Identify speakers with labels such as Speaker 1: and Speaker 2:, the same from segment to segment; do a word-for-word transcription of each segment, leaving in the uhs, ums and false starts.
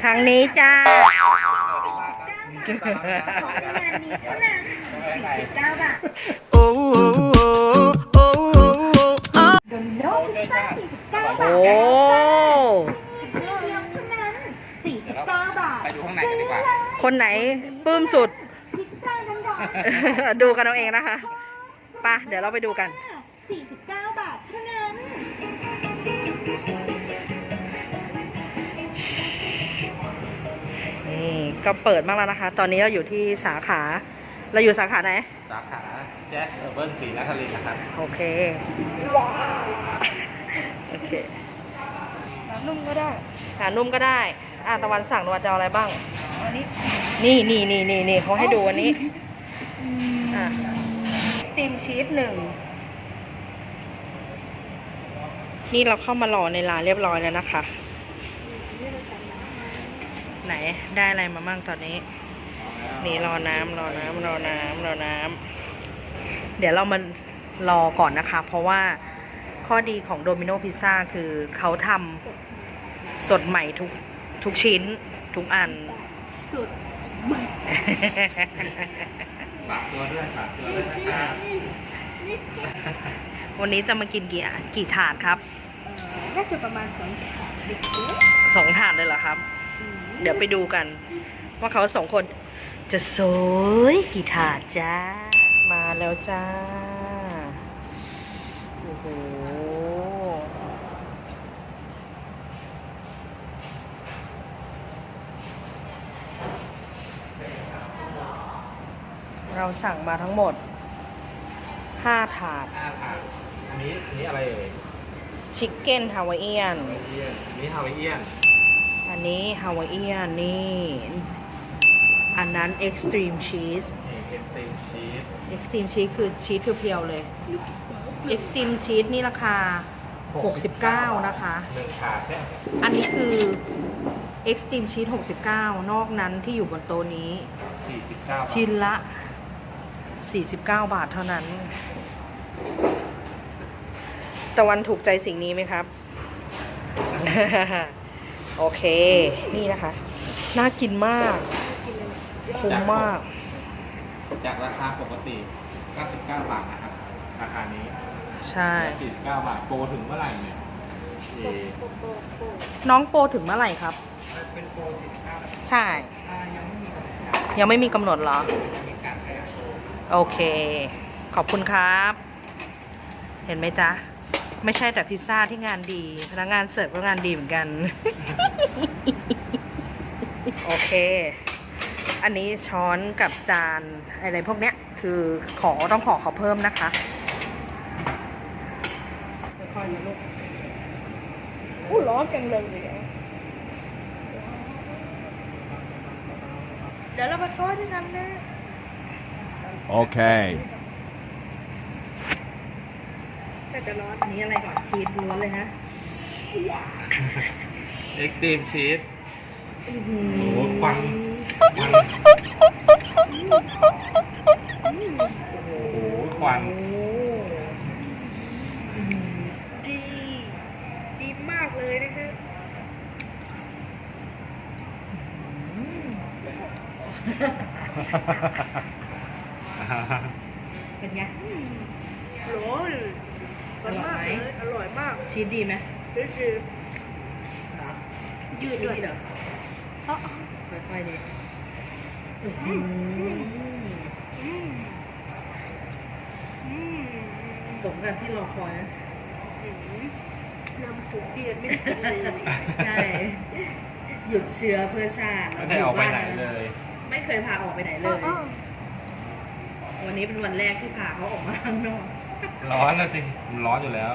Speaker 1: ทางนี้จ้าโอ้โอ้
Speaker 2: สี่สิบเก้าบาทไปดูข้างในกันดีกว่า
Speaker 1: คนไหนปลื้มสุดดูกันเอาเองนะคะไปเดี๋ยวเราไปดูกัน
Speaker 2: สี่สิบเก้าบาทเท่านั้น
Speaker 1: นี่ก็เปิดมากแล้วนะคะตอนนี้เราอยู่ที่สาขาเราอยู่สาขาไหน
Speaker 2: สาขาแจ๊สเออร์เบิร์นศรีนครินทร์นะครับ
Speaker 1: โอเคโอเคขานุ่มก็ได้ขานุ่มก็ได้อ่ะตะวันสั่งตะวันจะเอาอะไรบ้างอันนี้นี่นี่นี่นี่นี่เขาให้ดูอันนี้อ่ะสตีมชีสหนึ่งนี่เราเข้ามารอในร้านเรียบร้อยแล้วนะคะไหนได้อะไรมาบ้างตอนนี้นี่รอน้ำรอน้ำรอน้ำรอน้ำเดี๋ยวเรามารอก่อนนะคะเพราะว่าข้อดีของโดมิโนพิซซ่าคือเขาทำสดใหม่ทุกทุกชิ้นทุกอัน
Speaker 2: สดใหม่ฝากตัวด้วยฝากตัวด้วยนะครับ
Speaker 1: วันนี้จะมากินกี่กี่ถาดครับ
Speaker 2: น่าจะประมาณสองถาด
Speaker 1: สองถาดเลยเหรอครับเดี๋ยวไปดูกันว่าเขาสองคนจะสวยกี่ถาดจ้ามาแล้วจ้าโอ้โหเราสั่งมาทั้งหมดห้าถาด
Speaker 2: ห้าถาดอันนี้อันนี้อะไรเอ่ย
Speaker 1: ชิคเก้นฮาวายเอียน
Speaker 2: อันนี้ฮาวายเอียน
Speaker 1: อันนี้ฮาวายเอียนนี่อันนั้นเอ็กซ์ตรีมชีส
Speaker 2: เอ็กซ์ตรีมชีส
Speaker 1: เอ็กซ์ตรีมชีสคือชีสเพียวๆเลยเอ็กซ์ตรีมชีสนี่ราคาหกสิบเก้านะคะ
Speaker 2: หนึ่งถาดใช่
Speaker 1: อันนี้คือเอ็กซ์ตรีมชีสหกสิบเก้านอกนั้นที่อยู่บนโต๊ะนี้
Speaker 2: สี่สิบเก้า
Speaker 1: ชิ้นละสี่สิบเก้าบาทเท่านั้นตะวันถูกใจสิ่งนี้ไหมครับ โอเคนี่นะคะน่ากินมากคุ้มมาก
Speaker 2: จากราคาปกติเก้าสิบเก้าบาทนะครับราคานี้
Speaker 1: ใช่
Speaker 2: สี่สิบเก้าบาทโปรถึงเมื่อไหร่เนี่ย
Speaker 1: น้องโปรถึงเมื่อไหร่ครับ
Speaker 2: เป็นโปรสี่สิบเก้า
Speaker 1: ใช่ยังไม่มีกำหนดยังไม่มีกำหนดเหรอโอเคขอบคุณครับเห็นไหมจ๊ะไม่ใช่แต่พิซซ่าที่งานดีพนักงานเสิร์ฟก็งานดีเหมือนกัน โอเคอันนี้ช้อนกับจานอะไรพวกเนี้ยคือขอต้องขอเขาเพิ่มนะคะค่อยๆนะลูกอู้ร้อนจังเลยเดี๋ยวเรามาซอยด้วยกันนะ
Speaker 3: โอเค
Speaker 1: ก็จะร้อนอันนี้อะไรก่อนชีสล้วนเลยฮะ
Speaker 2: เอ็กซ์ตรีมชีสโอ้โหควันโอ้โหควัน
Speaker 1: ดีดีมากเลยนะคะเป็นไงร้อนอร่อยไหมอร่อยมากชีสดีไหมชีสดียืดด้วยเหรอค่อยๆดิสมกับที่รอคอยนะน้ำซุปเดือดไม่ได้เลยใช่หยุดเชื้อเพื่อชาติ
Speaker 2: ไม่ได้ออกไปไหนเลย
Speaker 1: ไม่เคยพาออกไปไหนเลยวันนี้เป็นวันแรกที่พาเขาออกมาข้างนอก
Speaker 2: ร้อนนะสิมันร้อนอยู่แล้ว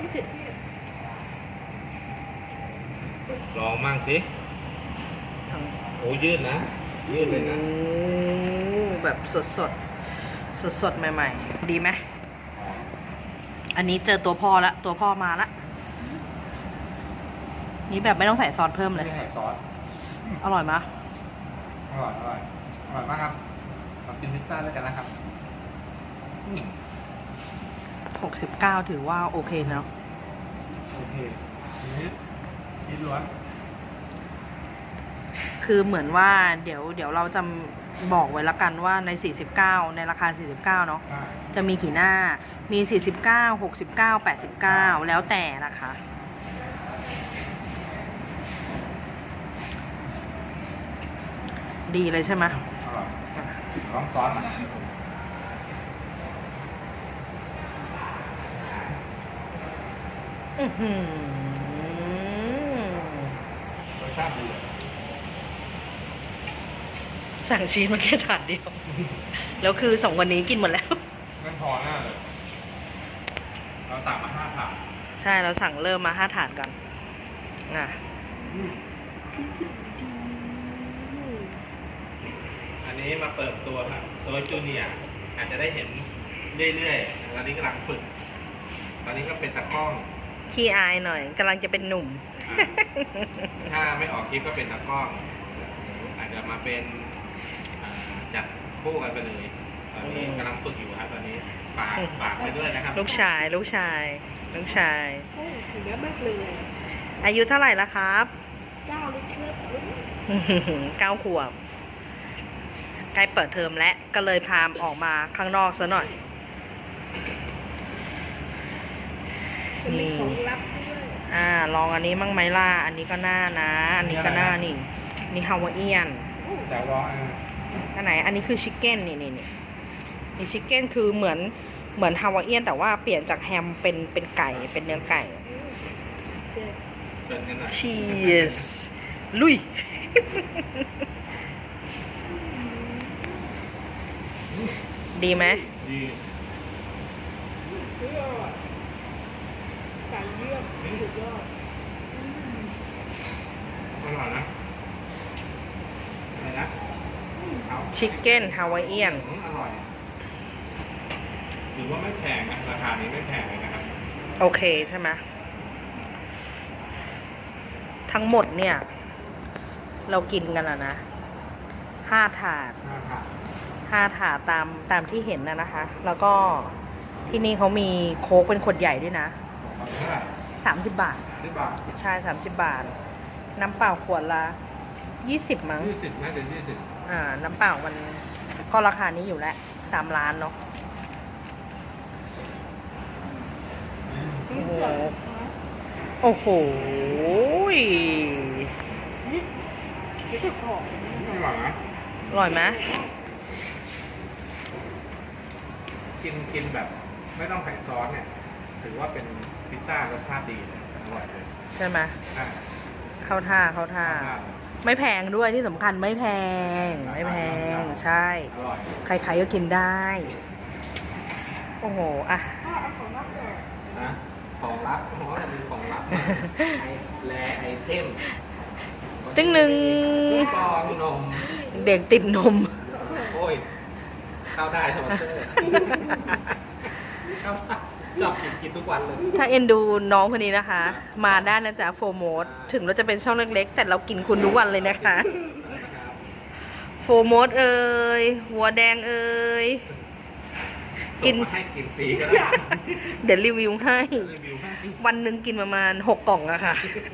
Speaker 2: ลองมั่งสิโอ้ยืดนะยืดเลยนะ
Speaker 1: แบบสดสดสดสดใหม่ๆดีไหมอันนี้เจอตัวพ่อละตัวพ่อมาละนี่แบบไม่ต้องใส่ซอสเพิ่มเลย
Speaker 2: ไม่ใส่ซอส
Speaker 1: อร่อยไหม
Speaker 2: อร่อยอร่อยอร่อยมากครับมากินพิซซ่าด้วยกันนะครับ
Speaker 1: หกสิบเก้าถือว่าโอเคเนาะ
Speaker 2: โอเคนี่ชีสล้วน
Speaker 1: คคือเหมือนว่าเดี๋ยวเดี๋ยวเราจะบอกไว้ละกันว่าใน สี่สิบเก้า ในราคา สี่สิบเก้า เนาะ
Speaker 2: อ่า
Speaker 1: จะมีกี่หน้า มี สี่สิบเก้า หกสิบเก้า แปดสิบเก้า แล้วแต่นะคะ ดีเลยใช่ไหม
Speaker 2: อร่อยลองซอสมา
Speaker 1: อื้อหือ
Speaker 2: รสชาติดี
Speaker 1: สั่งชีสมาแค่ถาดเดียว แล้วคือสองวันนี้กินหมดแล้ว
Speaker 2: ไม่พอแน่เลย เราสั่งมาห้าถาด
Speaker 1: ใช่เราสั่งเริ่มมาห้าถาดก่อนอ่ะ
Speaker 2: อันนี้มาเปิดตัวครับโซยจูเนียร์อาจจะได้เห็นเรื่อยๆตอนนี้กำลังฝึก ตอนนี้ก็เป็นตะกล้อง
Speaker 1: ขี้อายหน่อยกำลังจะเป็นหนุ่ม
Speaker 2: อ่ะถ้าไม่ออกคลิปก็เป็นตะกล้อง อาจจะมาเป็นอ่าจัดคู่กันไปเลย ตอนนี้กำลังฝึกอยู่ครับตอนนี้ฝากฝากไปด้วยนะครับ
Speaker 1: ลูกชายลูกชาย ลูกชาย
Speaker 4: โอ้ถึงเยอะมากเลย
Speaker 1: อายุเท่าไหร่แล้วครับ
Speaker 4: เจ้าเลยครับ
Speaker 1: เก้าขวบใกล้เปิดเทอมแล้วก็เลยพามออกมาข้างนอกซะหน่อย
Speaker 4: จะมีของลับด้วย
Speaker 1: อ่า ลองอันนี้มั่งไหมล่ะอันนี้ก็น่านะ อันนี้ก็น่านี่ นี่ฮาวาเอียน
Speaker 2: จะรออ่ะ
Speaker 1: อันไหน อันนี้คือชิคเก้นนี่นี่นี่นี่ชิคเก้นคือเหมือนเหมือนฮาวาเอียนแต่ว่าเปลี่ยนจากแฮมเป็นเป็นไก่เป็นเนื้อไก่
Speaker 4: เชื่อ
Speaker 2: เชิญกันหน่อย
Speaker 1: Cheers ลุย ดีไหม
Speaker 2: ดี
Speaker 4: เชื่อไก่เยี่ยมสุดยอด
Speaker 2: อร่อยนะอะไรนะเอา
Speaker 1: ชิคเก้นฮาวาเอียน
Speaker 2: อืมอร่อยถือว่าไม่แพงนะราคานี้ไม่แพงเลยนะครับ
Speaker 1: โอเคใช่ไหมทั้งหมดเนี่ย เรากินกันอะนะห้าถาด
Speaker 2: ห้าถาด
Speaker 1: ห้าถาดตามตามที่เห็นนะนะคะ แล้วก็ที่นี่เขามีโค้กเป็นขวดใหญ่ด้วยนะ
Speaker 2: ของเท่าไหร่
Speaker 1: สามสิบบาท
Speaker 2: สิบบาท
Speaker 1: ใช่สามสิบบาท น้ำเปล่าขวดละยี่สิบมั้ง
Speaker 2: ยี่สิบน่าจะยี่สิบ
Speaker 1: อ่า น้ำเปล่ามันก็ราคานี้อยู่แล้วตามร้านเนาะ โอ้โห โอ้โห
Speaker 4: เดี๋ยวจะขอ
Speaker 2: อร่อยนะ
Speaker 1: อร่อยไหม
Speaker 2: กินกินแบบไม่ต้องใส่ซอสเนี่ย ถือว่าเป็นพิซซ่ารสชาติดีเลยอร่อยเลย
Speaker 1: ใช่ไหม
Speaker 2: ใช่
Speaker 1: เข้าท่าเข้าท่า
Speaker 2: รสชาติ
Speaker 1: ไม่แพงด้วยที่สำคัญไม่แพง ไม่แพง ใช่
Speaker 2: อร่อย
Speaker 1: ใครๆก็กินได้ โอ้โห อ่ะ
Speaker 4: พ่อเอาของลับเลย
Speaker 2: นะของลับเพราะว่ามีของลับไอแลไอเทม
Speaker 1: ตึ้งหนึ่ง
Speaker 2: ปองนม
Speaker 1: เด็กติดนม
Speaker 2: โอ้ย เข้าได้สปอนเซอร์เข้าได้ชอบกินกินทุกวันเลย
Speaker 1: ถ้าเอ็นดูน้องคนนี้นะคะ มาได้นะจ๊ะโฟร์โมดถึงเราจะเป็นช่องเล็กๆ แต่เรากินคุณทุกวันเลยนะคะโฟร์โมดเอ่ยหัวแดงเอ่ย กิ
Speaker 2: กิ
Speaker 1: น
Speaker 2: นให้กินฟรีก็ได้
Speaker 1: เดี๋ยวรีวิวให้
Speaker 2: รีวิวให้
Speaker 1: วันหนึ่งกินประมาณหกกล่องอะค่ะ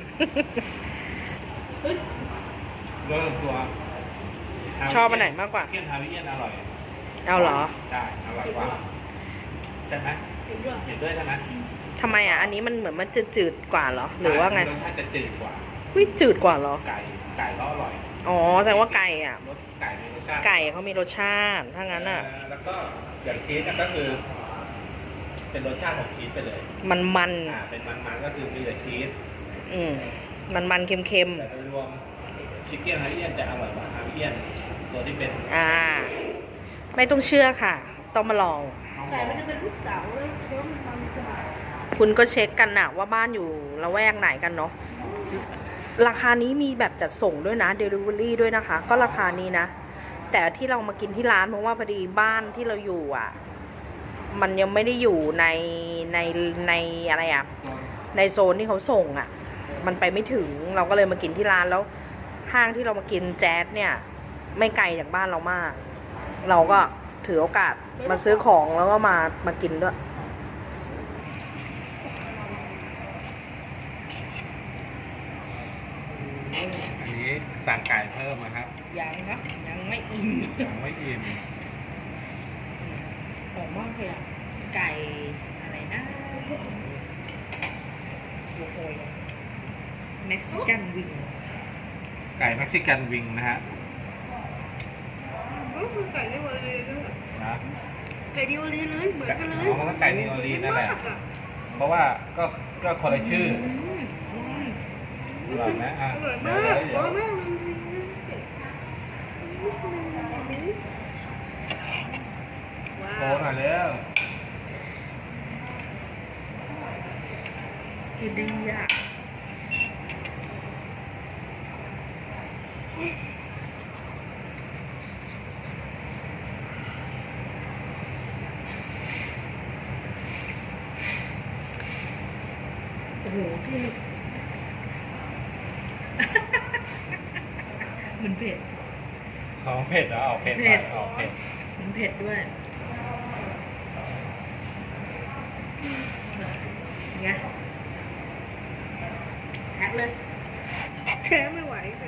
Speaker 2: โดยตัว
Speaker 1: ชอบอันไหนมากกว่า
Speaker 2: เกี๊ยวฮาวิเอียนอร่อย
Speaker 1: เอาเหรอ
Speaker 2: ใช่อร่อยกว่าใช่ไหม
Speaker 4: เห็นด้วย
Speaker 2: เห็นด้วยใช่ไหม
Speaker 1: ทำไมอ่ะ อันนี้มันเหมือนมันจะจืดกว่าเหรอ หรือว่าไง
Speaker 2: รสชาติจะจืดกว่า
Speaker 1: วิจืดกว่าเหรอ
Speaker 2: ไก่ไก่ก็อร่อย
Speaker 1: อ๋อแสดงว่าไก่อ่ะ
Speaker 2: รสไก่มีรสชาติ
Speaker 1: ไก่เขามีรสชาติ ถ้างั้นอ่ะ
Speaker 2: เแล้วก็อย่างชีสเนี่ยก็คือ เป็นรสชาติของชีสไปเลย
Speaker 1: มันมัน
Speaker 2: อ่าเป็นมันๆก็คือมีแต่ชีส
Speaker 1: ๆอืมมันมันๆเค็ม
Speaker 2: แต่โดยรวมชิคเก้นฮาวิเอียนจะอร่อยกว่าฮาวิเอียนตัวที่เป็น
Speaker 1: ๆ อ่า ไม่ต้องเชื่อค่ะ ต้องมาลอง
Speaker 4: ไก่มันจะเป็นลูกเต๋าแล้วเคี้ยวมันมันสบาย
Speaker 1: คุณก็เช็คกันนะว่าบ้านอยู่ละแวกไหนกันเนาะ ราคานี้มีแบบจัดส่งด้วยนะ Delivery ด้วยนะคะ ก็ราคานี้นะ แต่ที่เรามากินที่ร้านเพราะว่าพอดีบ้านที่เราอยู่อ่ะ มันยังไม่ได้อยู่ในในในอะไรอ่ะ ในโซนที่เขาส่งอ่ะ มันไปไม่ถึง เราก็เลยมากินที่ร้านแล้ว ห้างที่เรามากินแจ๊สเนี่ย ไม่ไกลจากบ้านเรามาก เราก็ถือโอกาสมาซื้อของแล้วก็มามากินด้วย
Speaker 2: อันนี้สั่งไก่เพิ่มนะครับ
Speaker 1: ยังนะยังไม่อิ่ม
Speaker 2: ยังไม่อิ่ม
Speaker 1: หอมมากเลยอ่ะ ไก่อะไรนะโอ้โหเม็กซิกันวิง
Speaker 2: ไก่เม็กซิกันวิงนะฮะ
Speaker 4: ก็คือไก่ที่วันเลยด้วย
Speaker 2: นะ
Speaker 4: ไก่ดิโอลีเลยเหมือนกันเลย
Speaker 2: อ๋อมันก็ไก่นิโอลีนั่นแหละ เพราะว่าก็ก็คนละชื่อ
Speaker 1: อืมอืม
Speaker 2: อร่อยไหมอ่ะ
Speaker 4: อร่อย
Speaker 2: เดี๋
Speaker 4: มาก
Speaker 2: ยวเดี๋
Speaker 4: อ
Speaker 2: ยว
Speaker 4: ร่อย
Speaker 2: เดี๋ยว
Speaker 4: มากว้า
Speaker 2: โต
Speaker 4: ว
Speaker 2: หน่อยเร็ว
Speaker 1: กินดีอ่ะโอ้โหพี่ มันเผ็ด
Speaker 2: ของเผ็ดเหรอออกเผ็ด
Speaker 1: เผ็ด
Speaker 2: ออกเผ็ด
Speaker 1: มันเผ็ดด้วยไงแท็กเลย
Speaker 4: แค่ไม่ไหวเลย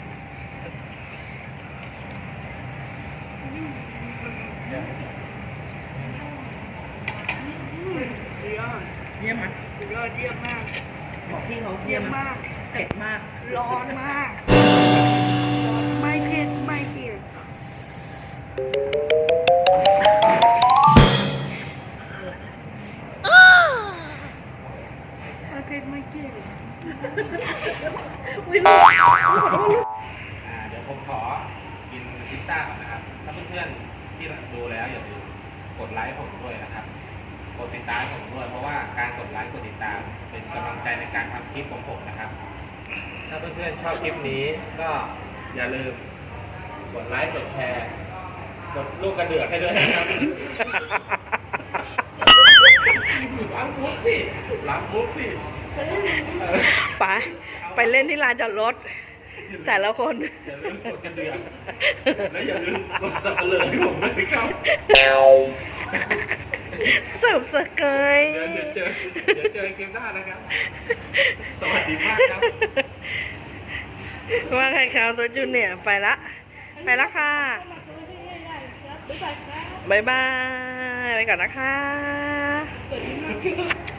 Speaker 4: ยอด
Speaker 1: เยี่ยมไหม
Speaker 4: ยอดเยี่ยมมาก
Speaker 1: บอกพี่เขา
Speaker 4: เยี่
Speaker 1: เยี่
Speaker 4: ย
Speaker 1: ย
Speaker 4: ม
Speaker 1: ม
Speaker 4: มาก
Speaker 1: เผ็ดมาก
Speaker 4: ร้อนมาก ร้อนไม่เผ็ดไม่เผ็ดไม่เผ็ดไม่เผ็ด
Speaker 1: อุ้ยลูก
Speaker 2: อ่าเดี๋ยวผมขอกินพิซซ่าก่อนนะครับ ถ้าเพื่อนๆที่ดูแล้วอย่าลืมกดไลค์ผมด้วยนะครับ กดติดตามผมด้วย เพราะว่าการกดไลค์กดติดตามเป็นกำลังใจในการทำคลิปของผมนะครับ ถ้าเพื่อนๆชอบคลิปนี้ก็อย่าลืมกดไลค์กดแชร์ กดลูกกระเดือกให้ด้วยนะครับ ล้างมุกสิล้างมุกสิ
Speaker 1: ไปไปเล่นที่ลานจอดรถ แต่ละคน
Speaker 2: อย่าลืมกดกระเดือกและอย่าลืมกดสับเลยให้ผมด้วยครับ
Speaker 1: เสิร์ฟสเกย
Speaker 2: เดี๋ยวเจอเดี๋ยวเจอเกมหน้านะครับ สวัสดีมากครับ
Speaker 1: ว่าใครเขาตัวจูเนียร์ไปละ ไปละค่ะ บ๊ายบาย ไปก่อนนะคะ
Speaker 4: เปิดนิดนึง